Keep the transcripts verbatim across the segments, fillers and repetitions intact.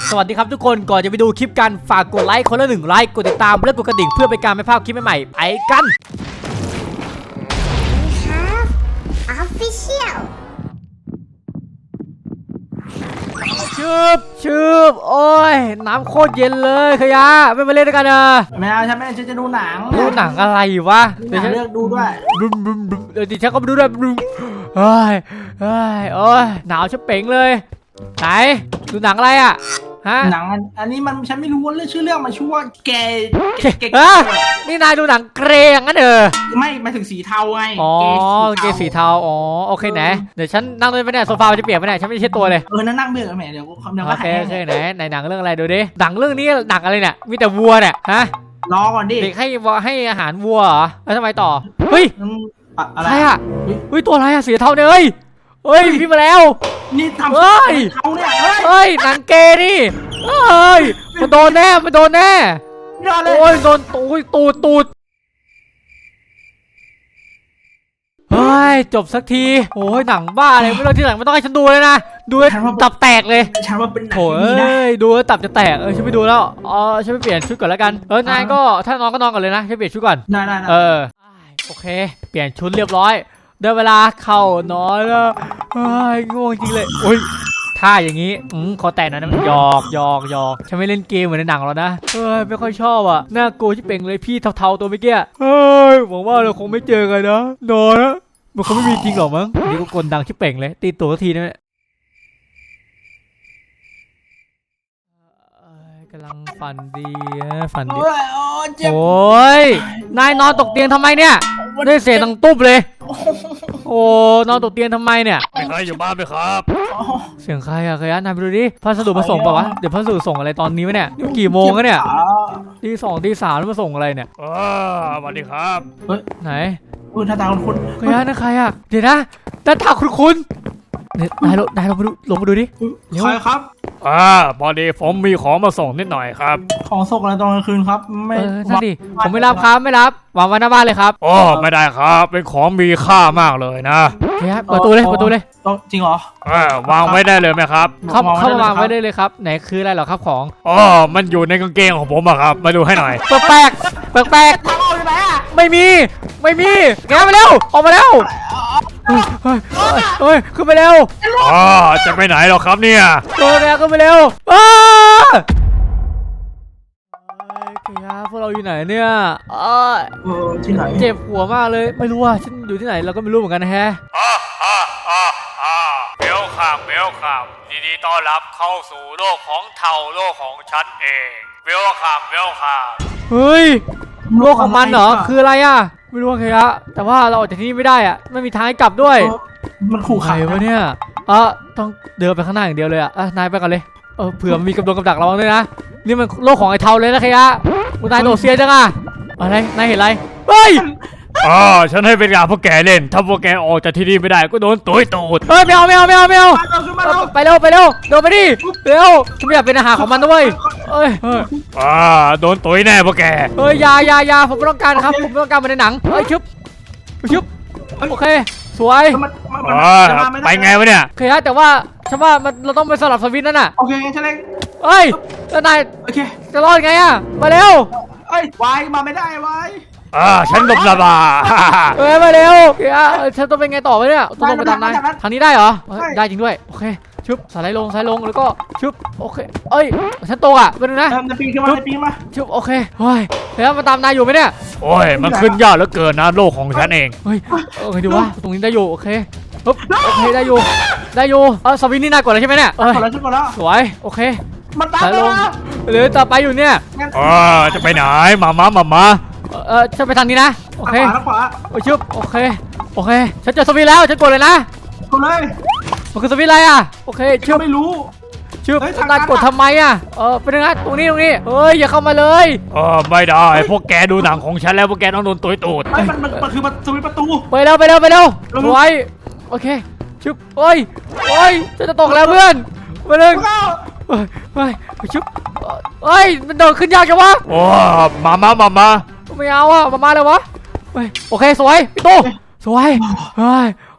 สวัสดีครับทุกคนก่อนจะไปดูคลิปกันฝากกดไลค์คนละหนึ่งไลค์กดติดตามและกดกระดิ่งเพื่อเป็นการไม่พลาดคลิปใหม่ๆไปกันครับ Official ชืบชืบโอ้ยน้ำโคตรเย็นเลยขยะไม่มาเล่นด้วยกันนะไม่เอาฉันไม่ฉันจะดูหนังดูหนังอะไรวะเดี๋ยวฉันเลือกดูด้วยบึมบึมบึมเดี๋ยวดิฉันก็ไปดูด้วยบึมเฮ้ยเฮ้ยโอ้ยหนาวชิบเป่งเลยไหนดูหนังอะไรอ่ะฮะหนังอันนี้มันฉันไม่รู้ว่าเรื่องชื่อเรื่องมันชื่อว่าแกเกนี่นายดูหนังเกรย์งั้นเออไม่มาถึงสีเทาไงอ๋อเกย์สีเทาอ๋อโอเคไหนเดี๋ยวฉันนั่งเลยไปเนี่ยโซฟาจะเปียกไปเนี่ยฉันไม่ได้เช็ดตัวเลยเออนั่งเบื่อแม่เดี๋ยวเดี๋ยวโอเคโอเคไหนในหนังเรื่องอะไรดูดิหนังเรื่องนี้หนังอะไรเนี่ยมีแต่วัวเนี่ยฮะรอก่อนดิเด็กให้ให้อาหารวัวเหรอแล้วทำไมต่อเฮ้ยอะไรอ่ะเฮ้ยตัวอะไรอะสีเทาเนี่ยเฮ้ยเฮ้ยพี่มาแล้วนี่ทำเฮ้ยเทาเนี่ยเฮ้ยหนังเกย์นี่เฮ้ยมันโดนแน่มันโดนแน่โอ้ยโดนตูดตูดตูดเฮ้ยจบสักทีโอ้ยหนังบ้าเลยไม่ต้องที่หลังไม่ต้องให้ฉันดูเลยนะดูตับแตกเลยฉันว่าเป็นหนังโอ้ยดูตับจะแตกเออฉันไปดูแล้วอ๋อฉันไปเปลี่ยนชุดก่อนแล้วกันเออนายก็ถ้านอนก็นอนก่อนเลยนะฉันเปลี่ยนชุดก่อนได้ได้เออโอเคเปลี่ยนชุดเรียบร้อยได้เวลาเข้านอนแล้วเฮ้ยง่วงจริงเลยอุ้ยท่าอย่างนี้อืมคอแตกนะนะหยอกหยอกหยอกฉันไม่เล่นเกมเหมือนในหนังแล้วนะเฮ้ยไม่ค่อยชอบอ่ะน่ากลัวที่เป่งเลยพี่เทาๆตัวเมื่อกี้เฮ้ยหวังว่าเราคงไม่เจอกันนะนอนนะมันคงไม่มีจริงหรอกมั้งนี่ก็กลดังที่เป่งเลยตีตัวทีนะกำลังฝันดีฝันดีโอ้ยนายนอนตกเตียงทำไมเนี่ยได้เสียงดังตุ๊บเลยโอ้นอนตกเตียงทำไมเนี่ยมีใครอยู่บ้านไหมครับเสียงใครอะใครอะนายไปดูดิพัสดุมาส่งป่าวะเดี๋ยวพัสดุส่งอะไรตอนนี้วะเนี่ยกี่โมงกันเนี่ยตีสองตีสามแล้วมาส่งอะไรเนี่ยเออสวัสดีครับเฮ้ยไหนคุณท่าทางคุณใครอะนั่นใครอะเดี๋ยวนะท่าทางคุณคุณนายลงนายลงมาดูลงมาดูดิใครครับอ่าพอดีผมมีของมาส่งนิดหน่อยครับของส่งอะไรตอนกลางคืนครับไม่นั่นดิผมไม่รับครับไม่รับวางไว้หน้าบ้านเลยครับโอ้ไม่ได้ครับเป็นของมีค่ามากเลยนะเนี่ยประตูเลยประตูเลยจริงเหรอเออวางไว้ได้เลยไหมครับครับเข้ามาวางไว้ได้เลยครับไหนคืออะไรเหรอครับของอ๋อมันอยู่ในกางเกงของผมอะครับมาดูให้หน่อยแปลกแปลกแปลกแปลกทางออกอยู่ไหนอะไม่มีไม่มีแกมาเร็วออกมาเร็วเฮ้ยเฮ้ยขึ้นไปเร็วอ๋อจะไปไหนหรอครับเนี่ยเออแกขึ้นไปเร็วอ้าเกียร์พวกเราอยู่ไหนเนี่ยเออที่ไหนเจ็บหัวมากเลยไม่รู้ว่าฉันอยู่ที่ไหนเราก็ไม่รู้เหมือนกันนะฮะอ่าอ่าอ่าอ่าเบลคามเบลคามยินดีต้อนรับเข้าสู่โลกของเทาโลกของฉันเองเบลคามเบลคามเฮ้ยโลกของมันเหรอคืออะไรอ่ะไม่รู้เกียร์แต่ว่าเราออกจากที่นี่ไม่ได้อ่ะไม่มีทางให้กลับด้วยมันขู่ใครวะเนี่ยเออต้องเดินไปข้างหน้าอย่างเดียวเลยอ่ะนายไปก่อนเลยเออเผื่อมีกำลังกำดักเราด้วยนะนี่มันโลกของไอ้เทาเลยนะเคียร์นายโดดเสียจังอ่ะอะไรนายเห็นอะไรเฮ้ยอ๋อฉันให้เป็นการพวกแกเล่นถ้าพวกแกออกจากที่นี่ไม่ได้ก็โดนตุยตูดเฮ้ยไม่เอาไม่เอาไม่เอาไม่เอาไปเร็วไปเร็วเดินไปดิเร็วฉันไม่อยากเป็นอาหารของมันด้วยเฮ้ยอ่าโดนตุยแน่พวกแกเฮ้ยยายายาผมไม่ต้องการครับผมไม่ต้องการมาในหนังเฮ้ยชุบชุบโอเคสวยไปไงวะเนี่ยโอเคฮะแต่ว่าฉันว่ามันเราต้องไปสลับสวิตช์นั่นน่ะโอเคฉันเองเฮ้ยแล้วนายโอเคจะรอดไงอ่ะมาเร็วเอ้ยวายมาไม่ได้วายอ่าฉันหลบระบาเฮ้ยมาเร็วเฮ้ยฉันต้องเป็นไงต่อไปเนี่ยต้องลงไปตามนายทางนี้ได้เหรอได้จริงด้วยโอเคชุบสไลด์ลงสไลด์ลงแล้วก็ชุบโอเคเอ้ยฉันโตอ่ะไปดูนะจะปีนขึ้นมาจะปีนมาชุบโอเคเฮ้ยแล้วมาตามนายอยู่ไหมเนี่ยโอ้ยมันขึ้นยากเหลือเกินนะโลกของฉันเองเฮ้ยโอเคดูว่าตรงนี้ได้อยู่โอเคปุ๊บโอเคได้อยู่ได้อยู่เออสวินนี่นายกดแล้วใช่ไหมเนี่ยกดแล้วกดแล้วสวยโอเคมันตามลงหรือจะไปอยู่เนี่ยอ๋อจะไปไหนมามามามาเออฉันไปทางนี้นะโอเคขวาโอ้ชุบโอเคโอเคฉันเจอสวินแล้วฉันกดเลยนะกดเลยมันคือสวินอะไรอ่ะโอเคชุบไม่รู้ชุบนายกดทำไมอ่ะเออเป็นยังไงตรงนี้ตรงนี้เฮ้ยอย่าเข้ามาเลยเออไม่ได้พวกแกดูหนังของฉันแล้วพวกแกต้องโดนตุยตูดมันมันมันคือสวิตประตูไปเร็วไปเร็วไปเร็วไว้โอเคชุบโอ้ยโอ้ยจะจะตกแล้วเพื่อนมาหนึ่งเฮ้ยเฮ้ยชุบเฮ้ยมันโดดขึ้นยากจังวะโอ้มามามามาไม่เอาอ่ะมามาเลยวะโอเคสวยพี่ตู้สวยเฮ้ย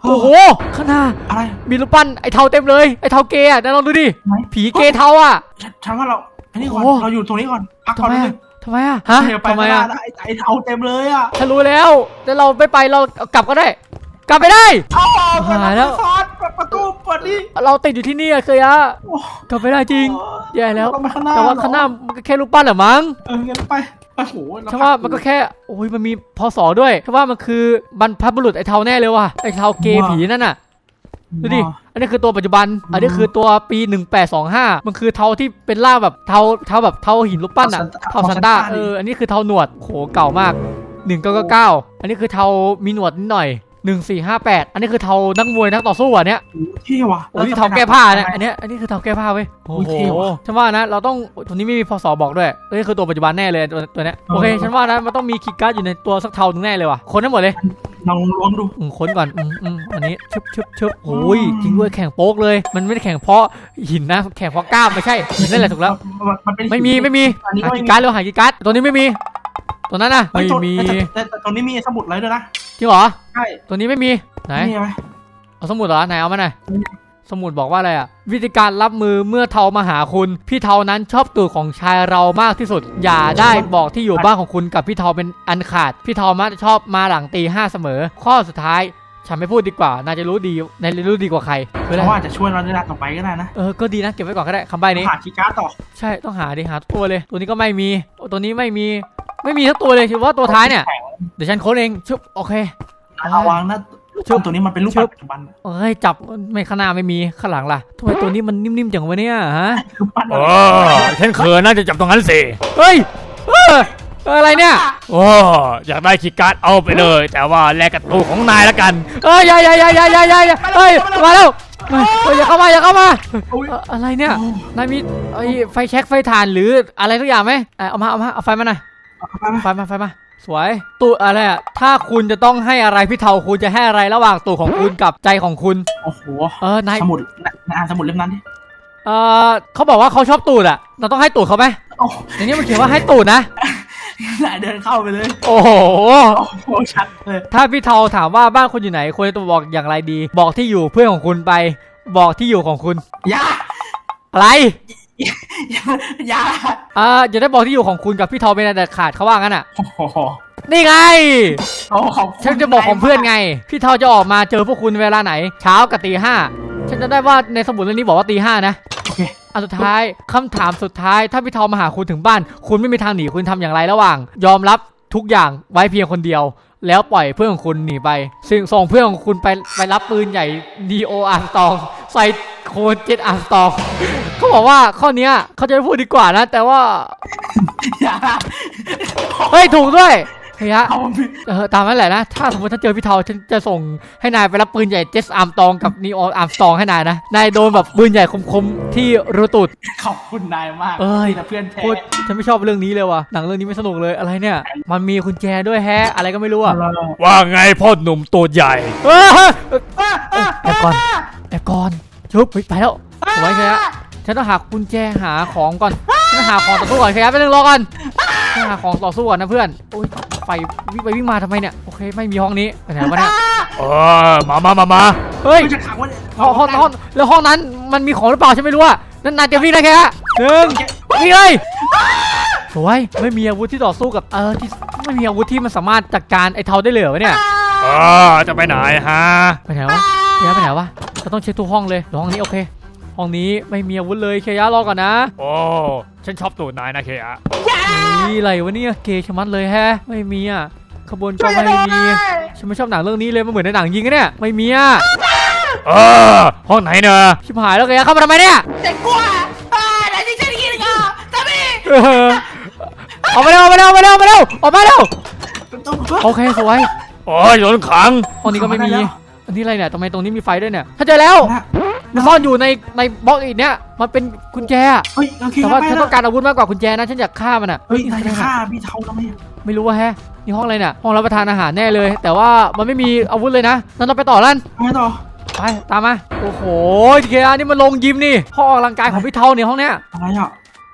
โอ้โหข้างหน้าอะไรมีรูปปั้นไอ้เทาเต็มเลยไอ้เทาเกย์อ่ะเดี๋ยวลองดูดิไหนผีเกย์เทาอ่ะฉันฉันว่าเราอันนี้ก่อนโอ้เราอยู่ตรงนี้ก่อนพักทำก่อนไมนิดอ่ะนึงทำไมอ่ะฮะเดี๋ยวไปทำไมไม่ได้อ่ะนะไอ้ไอ้เทาเต็มเลยอ่ะฉันรู้แล้วแต่เราไม่ไปเรากลับก็ได้ กลับไปได้เอาหายแล้วซอสประตูเปิดดิเราติดอยู่ที่นี่อะเคยอะโอ้กลับไปได้จริงแย่แล้วต้องไปข้างหน้าแต่ว่าข้างหน้ามันก็แค่รูปปั้นเหรอมั้งเอองั้นไปไปโหเรฉันว่ามันก็แค่โอ้ยมันมีพศด้วยฉันว่ามันคือบรรพบุรุษไอ้เทาแน่เลยว่ะไอ้เทาเกย์ผีนั่นน่ะดูดิอันนี้คือตัวปัจจุบันอันนี้คือตัวปีหนึ่งแปดสองห้ามันคือเทาที่เป็นล่างแบบเทาเทาแบบเทาหินรูปปั้นอะเทาซันต้าเอออันนี้คือเทาหนวดโหเก่ามากหนึ่งเก้าเก้าเก้าอันนี้คือเทามีหนวดนิดหน่อยหนึ่งสี่ห้าแปดอันนี้คือเทานักมวยนักต่อสู้อ่ะเนี้ยเท่ว่ะโอ้ยนี่เทาแก้ผ้าเนี่ยอันเนี้ยอันนี้คือเทาแก้ผ้าเว้ยโอ้โอ้ยโหเท่ว่ะฉันว่านะเราต้องตัวนี้ไม่มีพศบอกด้วยเอ้ยคือตัวปัจจุบันแน่เลยตัวตัวเนี้ยโอเคฉันว่านะมันต้องมีคีย์การ์ดอยู่ในตัวสักเทาหนึงแน่เลยว่ะค้นให้หมดเลยลองล้วงดูอืมค้นก่อนอืมอืมอันนี้ชึบชึบชึบโอ้ยจริงด้วยแข่งโป๊กเลย มันไม่ได้แข่งเพราะหินนะแข่งเพราะกล้ามไม่ใช่หินนั่นแหละถูกแล้วมันมันเป็นไม่มีไม่มีอันนี้ก็หาไม่คีมีย์การ์ดเร็วหาคีย์การ์ดตัวนี้ไม่มี ตัวนั้นนะเฮ้ไม่ยตัวมีแต่แต่แต่ตรงนี้มีสมุดอะไรด้วยนะจริงเหรอใช่ตัวนี้ไม่มีไหนนี่ไหมเอาสมุดเหรอไหนเอามาหน่อยอืมสมุดบอกว่าอะไรอ่ะวิธีการรับมือเมื่อเทามาหาคุณพี่เทานั้นชอบตูดของชายเรามากที่สุด อย่าได้บอกที่อยู่บ้านของคุณกับพี่เทาเป็นอันขาดพี่เทามักจะชอบมาหลังตีห้าเสมอ ข้อสุดท้ายฉันไม่พูดดีกว่าน่าจะรู้ดีนายรู้ดีกว่าใครคืออะไรเพราะว่าจะช่วยเราในด้านต่อไปก็ได้นะเออก็ดีนะเก็บไว้ก่อนก็ได้คำใบ้นี้หาคีย์การ์ดต่อใช่ต้องหาดิหาทุกตัวเลย ตัวนี้ก็ไม่มีตัวนี้ไม่มีไม่มีทั้งตัวเลยถือว่าตัวท้ายเนี่ยเดี๋ยวฉันค้นเองชุบโอเคระวังนะชึบตัวนี้มันเป็นรูปชึบปัจจุบันเอ้ยจับไม่ข้างหน้าไม่มีข้างหลังล่ะทำไมตัวนี้มันนิ่มๆจังวะเนี่ยฮะรูปปั้นเออฉันเขินน่าจะจับตรงนั้นสิเฮ้ยเอออะไรเนี่ยโอ้อยากได้คีย์การ์ดเอาไปเลย แต่ว่าแลกกับตัวของนายละกันเอ้ยอย่าอย่าอย่าอย่าอย่าอย่าอย่าเฮ้ยมาแล้วเฮ้ยเฮ้ยอย่าเข้ามาอย่าเข้ามาโอ้ยเอ่ออะไรเนี่ยนายมีไอ้ไฟแช็กไฟถ่านหรืออะไรทุกอย่างไหมเอ่อเอามาเอามาเอาไฟมาหน่อยไปไหมไฟมาไฟมาสวยตูดอะไรอะถ้าคุณจะต้องให้อะไรพี่เทาคุณจะให้อะไรระหว่างตูดของคุณกับใจของคุณโอ้โหเออนายสมุดนายอ่านสมุดเล่มนั้นดิเออเขาบอกว่าเขาชอบตูดอะเราต้องให้ตูดเขาไหมโอ้อย่างนี้มันเขียนว่าให้ตูดนะนายเดินเข้าไปเลยโอ้โหโอ้โหชัดเลยถ้าพี่เทาถามว่าบ้านคุณอยู่ไหนควรจะบอกอย่างไรดี บอกที่อยู่เพื่อนของคุณไป บอกที่อยู่ของคุณอย่าอะไรอย่าอย่าอ่าอย่าได้บอกที่อยู่ของคุณกับพี่เทาเป็นอันเด็ดขาดเขาว่างั้นอ่ะโอ้โหนี่ไงโอ้ขอบคุณฉันจะบอกของเพื่อนไง พี่เทาจะออกมาเจอพวกคุณเวลาไหน เช้ากับตีห้าฉันจะได้ว่าในสมุดเล่มนี้บอกว่าตีห้านะโอเคอันสุดท้ายคำถามสุดท้ายถ้าพี่เทามาหาคุณถึงบ้าน คุณไม่มีทางหนีคุณทำอย่างไรระหว่าง ยอมรับทุกอย่างไว้เพียงคนเดียว แล้วปล่อยเพื่อนของคุณหนีไปซึ่งส่งเพื่อนของคุณไปไปรับปืนใหญ่ดีโออาร์สตองใส่โคนเจ็ดอาร์สตองเขาบอกว่าข้อเนี้ยเขาจะไม่พูดดีกว่านะ แต่ว่าอย่าเฮ้ยถูกด้วยเฮ้ยฮะเอาพี่เออตามนั้นแหละนะถ้าสมมติถ้าเจอพี่เทาฉันจะส่งให้นายไปรับปืนใหญ่เจสอาร์มตองกับนีโออาร์มสตองให้นายนะนายโดนแบบปืนใหญ่คมๆที่รูตูดขอบคุณนายมากเอ้ยแต่เพื่อนแท้โคตรฉันไม่ชอบเรื่องนี้เลยว่ะหนังเรื่องนี้ไม่สนุกเลยอะไรเนี่ย มันมีกุญแจด้วยแฮะ อะไรก็ไม่รู้อ่ะว่าไงพ่อหนุ่มตัวใหญ่เออแอบก่อนแอบก่อนชุบเฮ้ยไปแล้วสวยแค่ฉันต้องหากุญแจหาของก่อนฉันต้องหาของต่อสู้ก่อนแค่ไปหนึ่งรอก่อนฉันหาของต่อสู้ก่อนนะเพื่อนโอ้ยไฟวิ่งไปวิ่งมาทำไมเนี่ยโอเคไม่มีห้องนี้ไปไหนวะเนี่ยเออมามามามาเฮ้ยไม่จะขังไว้เนี่ยห้องห้องห้องแล้วห้องนั้นมันมีของหรือเปล่าฉันไม่รู้อะนั่นนายจะวิ่งได้แค่หนึ่งวิ่งเลยสวยไม่มีอาวุธที่ต่อสู้กับเออที่ไม่มีอาวุธที่มันสามารถจัดการไอ้เทาได้เลยเหรอวะเนี่ยเออจะไปไหนฮะไปไหนวะเคียะไปไหนวะเราต้องเช็คทุกห้องเลยห้องนี้โอเคห้องนี้ไม่มีอาวุธเลยเคียะรอก่อนนะโอ้ฉันชอบตูดนายนะเคอะนี่อะไรวะเนี่ยเกย์ชะมัดเลยแฮะไม่มีอะขบวนก็ไม่มีฉันไม่ชอบหนังเรื่องนี้เลยมันเหมือนในหนังยิงกันเนี่ยไม่มีอะเออห้องไหนเนอะชิบหายแล้วเคียะเข้ามาทำไมเนี่ยเด็กกลัวอ่าไหนที่ฉันกินก็ตาบีเออออกมาเร็วออกมาเร็วออกมาเร็วออกมาเร็วออกมาเร็วโอเคสวยโอ้ยโดนขังห้องนี้ก็ไม่มี อันนี้อะไรเนี่ยทำไมตรงนี้มีไฟด้วยเนี่ยถ้าเจอแล้ว มันซ่อนอยู่ในในบล็อกอีกเนี้ย มันเป็นกุญแจอะเฮ้ยโอเคแต่ว่าไปฉันแล้วต้องการอาวุธมากกว่ากุญแจนะ ฉันอยากฆ่ามันอะเฮ้ยนายจะฆ่าพี่เทาทำไมอะไม่รู้ว่าแฮะ นี่ห้องอะไรเนี่ย ห้องรับประทานอาหารแน่เลย แต่ว่ามันไม่มีอาวุธเลยนะนั่นเราไปต่อลั่นไงต่อไป ตามมา โอ้โหเกียร์นี่มันลงยิมนี่ ห้องออกกำลังกายของพี่เทาเนี่ยห้องเนี้ยอะไรอ่ะไป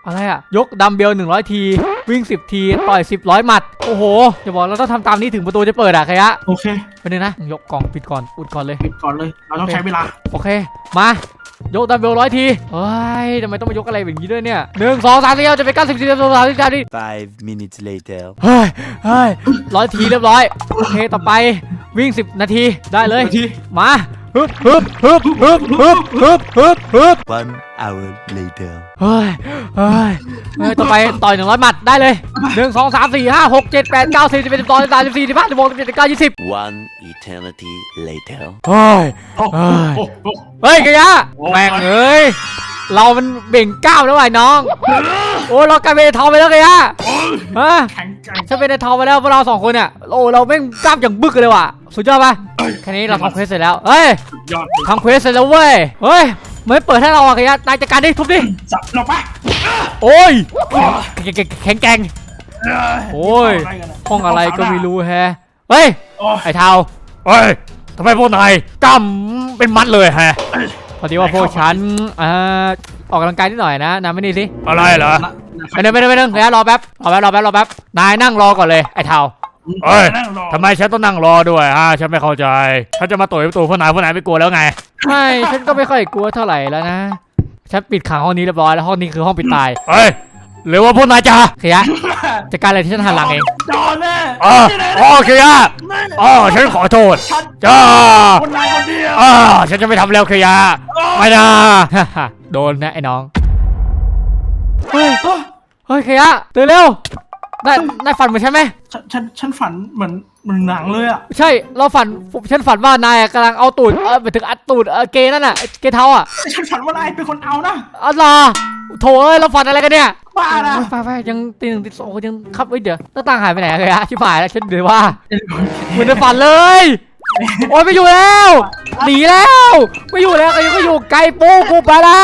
อะไรอะยกดัมเบลหนึ่งร้อยทีวิ่งสิบทีต่อยสิบร้อยหมัดโอ้โหอย่าบอกเราต้องทำตามนี้ถึงประตูจะเปิดอะใครอะโอเคไปเลยนะยกกล่องปิดก่อนอุดก่อนเลยปิดก่อนเลยเราต้องใช้เวลาโอเคมายกดัมเบลร้อยทีเฮ้ยทำไมต้องมายกอะไรแบบนี้ด้วยเนี่ยหนึ่งสองสามสี่จะไปเก้าสิบสี่สิบสองสามสิบสี่ Five minutes later. เฮ้ยเฮ้ยร้อยทีเรียบร้อยโอเคต่อไปวิ่งสิบนาทีได้เลยนาทีมาฮึบฮึบฮึบฮึบฮึบฮึบฮึบฮึบ One hour later. เฮ้ยเฮ้ยเฮ้ยต่อไปต่อยหนึ่งร้อยหมัดได้เลยหนึ่งสองสามสี่ห้าหกเจ็ดแปดเก้าสิบสิบเอ็ดสิบสองสิบสามสิบสี่สิบห้าสิบหกสิบเจ็ดสิบเก้ายี่สิบ One eternity later. เฮ้ยโอ้โหเฮ้ย เฮ้ยกะยะแม่งเอ้ยเรามันเบ่งกล้ามแล้วไอ้น้องโอ้เรากลายเป็นไอ้ทองไปแล้วกะยะฮะแข็งแกร่งฉันเป็นไอ้ทองไปแล้วพวกเราสองคนเนี่ยโอ้เราแม่งกล้ามอย่างบึกเลยว่ะสุดยอดปะแค่นี้เราทำเควสเสร็จแล้วเฮ้ยยอดทำเควสเสร็จแล้วเว้ยเฮ้ยไม่เปิดให้เราอะกะยะนายจัดการดิทุบดิจับเราไปโอ้ยแข็งแกร่งโอ้ยห้องอะไรก็ไม่รู้แฮะเฮ้ยโอ้ยไอ้เทาเฮ้ยทำไมพวกนายกล้ามเป็นมัดเลยฮะพอดีว่าพวกฉันอ่าออกกำลังกายนิดหน่อยนะนายไม่นี่สิอะไรเหรอไม่ได้ไม่ได้ไม่ได้เดี๋ยวรอแป๊บรอแป๊บรอแป๊บรอแป๊บนายนั่งรอก่อนเลยไอ้เทาเอ้ยนั่งรอทำไมฉันต้องนั่งรอด้วยฮะฉันไม่เข้าใจฉันจะมาต่อยประตูพวกนายพวกนายไม่กลัวแล้วไงไม่ฉันก็ไม่ค่อยกลัวเท่าไหร่แล้วนะฉันปิดขังห้องนี้เรียบร้อยแล้วห้องนี้คือห้องปิดตายเฮ้ยหรือว่าพวกนายจะเขียจัดการอะไรที่ฉันหันหลังเองจอแน่อ๋อโอเคอะอ๋อฉันขอโทษฉันจ้าคนนายคนเดียวอ่าฉันจะไม่ทำแล้วเคยาไม่นะโดนนะไอ้น้องเฮ้ยเฮ้ยเขียตื่นเร็วนายนายฝันเหมือนฉันไหมฉันฉันฉันฝันเหมือนเหมือนหนังเลยอ่ะใช่เราฝันฉันฝันว่านายกำลังเอาตูดเออไปถึงอัดตูดเออเกย์นั่นน่ะเกย์เท้าอ่ะฉันฝันว่านายเป็นคนเอานะอ๋อเหรอโถเอ้ยเราฝันอะไรกันเนี่ยบ้านะไปไปยังตีหนึ่งตีสองยังขับไว้เดี๋ยวหน้าต่างหายไปไหนเลยอะชิบหายแล้วฉันเดี๋ยวว่าเหมือนในฝันเลยโอ้ยไม่อยู่แล้วหนีแล้วไม่อยู่แล้วก็ยังก็อยู่ไกลปูกูไปละ